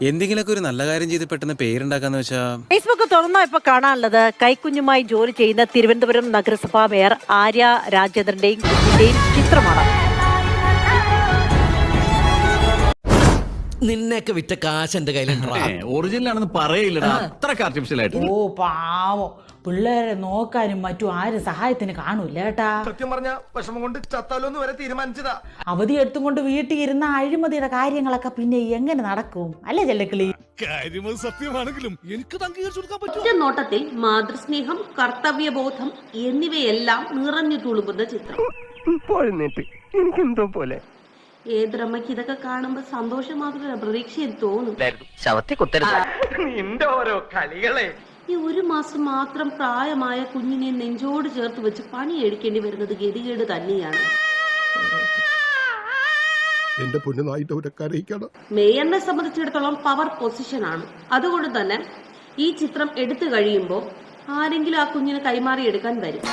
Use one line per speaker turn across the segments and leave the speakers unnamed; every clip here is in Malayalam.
എന്തെങ്കിലുമൊക്കെ ഒരു നല്ല കാര്യം ചെയ്ത് പെട്ടെന്ന് പേരുണ്ടാക്കാന്ന് വെച്ചാ
ഫേസ്ബുക്ക് തുറന്നാ ഇപ്പൊ കാണാനുള്ളത് കൈക്കുഞ്ഞുമായി ജോലി ചെയ്യുന്ന തിരുവനന്തപുരം നഗരസഭാ മേയർ ആര്യ രാജേന്ദ്രന്റെയും കുഞ്ഞിന്റെയും ചിത്രമാണ്.
നിന്നെയൊക്കെ വിറ്റ കാശ് എന്റെ കയ്യിലുണ്ടോ?
ഒറിജിനൽ ആണെന്ന് പറയില്ലടാ, അത്രക്ക് ആർട്ടിഫിഷ്യൽ ആയിട്ട്.
ഓ പാവം പിള്ളേരെ നോക്കാനും മറ്റും ആരും സഹായത്തിന് കാണൂല കേട്ടാ.
സത്യം പറഞ്ഞ വിഷമം കൊണ്ട് ചത്താലോന്ന് വരെ തീരുമാനിച്ചതാ.
അവധി എടുത്തും കൊണ്ട് വീട്ടിൽ ഇരുന്ന അഴിമതിയുടെ കാര്യങ്ങളൊക്കെ പിന്നെ എങ്ങനെ നടക്കും അല്ലേ ചെല്ലക്കിളി?
സത്യമാണെങ്കിലും എനിക്ക്
ഒറ്റ നോട്ടത്തിൽ മാതൃസ്നേഹം, കർത്തവ്യബോധം എന്നിവയെല്ലാം നിറഞ്ഞു തുളുമ്പുന്ന ചിത്രം.
എനിക്കെന്തോ പോലെ
ഏതൊരമ്മയ്ക്ക് ഇതൊക്കെ കാണുമ്പോ സന്തോഷം മാത്രമല്ല പ്രതീക്ഷയും തോന്നും.
നിന്റെ ഓരോ കളികളെ.
ഈ 1 മാസം മാത്രം പ്രായമായ കുഞ്ഞിനെ നെഞ്ചോട് ചേർത്ത് വെച്ച് പണിയെടുക്കേണ്ടി വരുന്നത് ഗതികേട് തന്നെയാണ്. മേയറിനെ സംബന്ധിച്ചിടത്തോളം പവർ പൊസിഷൻ ആണ്. അതുകൊണ്ട് തന്നെ ഈ ചിത്രം എടുത്തു കഴിയുമ്പോൾ ആരെങ്കിലും ആ കുഞ്ഞിനെ കൈമാറിയെടുക്കാൻ വരും.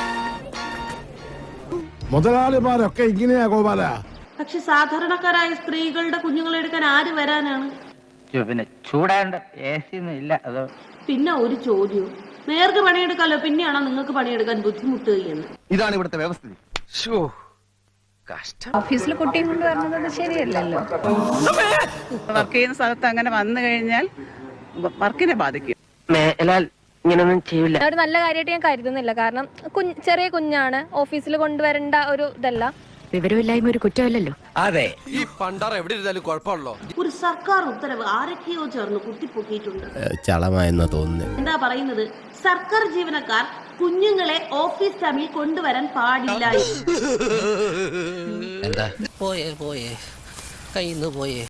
മുതലാളിമാരൊക്കെ ഇങ്ങനെയാ ഗോപാല.
പക്ഷെ സാധാരണക്കാരായ സ്ത്രീകളുടെ കുഞ്ഞുങ്ങളെ എടുക്കാൻ ആര് വരാനാണ്?
പിന്നെ ചൂടാണ്ട് ഇല്ല അതോ.
പിന്നെ ഒരു ചോദ്യവും, മേയർക്ക് പണിയെടുക്കാലോ, പിന്നെയാണോ നിങ്ങൾക്ക് പണിയെടുക്കാൻ ബുദ്ധിമുട്ട് എന്ന്?
ഇതാണ് ഇവിടുത്തെ വ്യവസ്ഥ.
ഓഫീസിൽ കുട്ടിയും കൊണ്ട് വരുന്നത് ശരിയല്ലല്ലോ. വർക്ക് ചെയ്യുന്ന സ്ഥലത്ത് അങ്ങനെ വന്നു കഴിഞ്ഞാൽ വർക്കിനെ ബാധിക്കും.
ഇങ്ങനൊന്നും ചെയ്യില്ല.
ഒരു നല്ല കാര്യമായിട്ട് ഞാൻ കരുതുന്നില്ല. കാരണം ചെറിയ കുഞ്ഞാണ്, ഓഫീസിൽ കൊണ്ടുവരേണ്ട ഒരു ഇതല്ല.
വിവരമില്ലായ്മ ഒരു കുറ്റമല്ലല്ലോ.
അതെ, ഈ പണ്ടാറ എവിടെ ഇരുന്നാലും കുഴപ്പമുള്ളോ?
ഒരു സർക്കാർ ഉത്തരവ് ആരൊക്കെയോ ചേർന്ന് കുത്തിപ്പൊക്കിയിട്ടുണ്ട്.
ചളമായെന്നാ തോന്നുന്നു.
എന്താ പറയുന്നത്? സർക്കാർ ജീവനക്കാർ കുഞ്ഞുങ്ങളെ ഓഫീസ് ടൈമിൽ കൊണ്ടുവരാൻ പാടില്ല.
എന്താ പോയേ കയ്യിന്ന് പോയേ.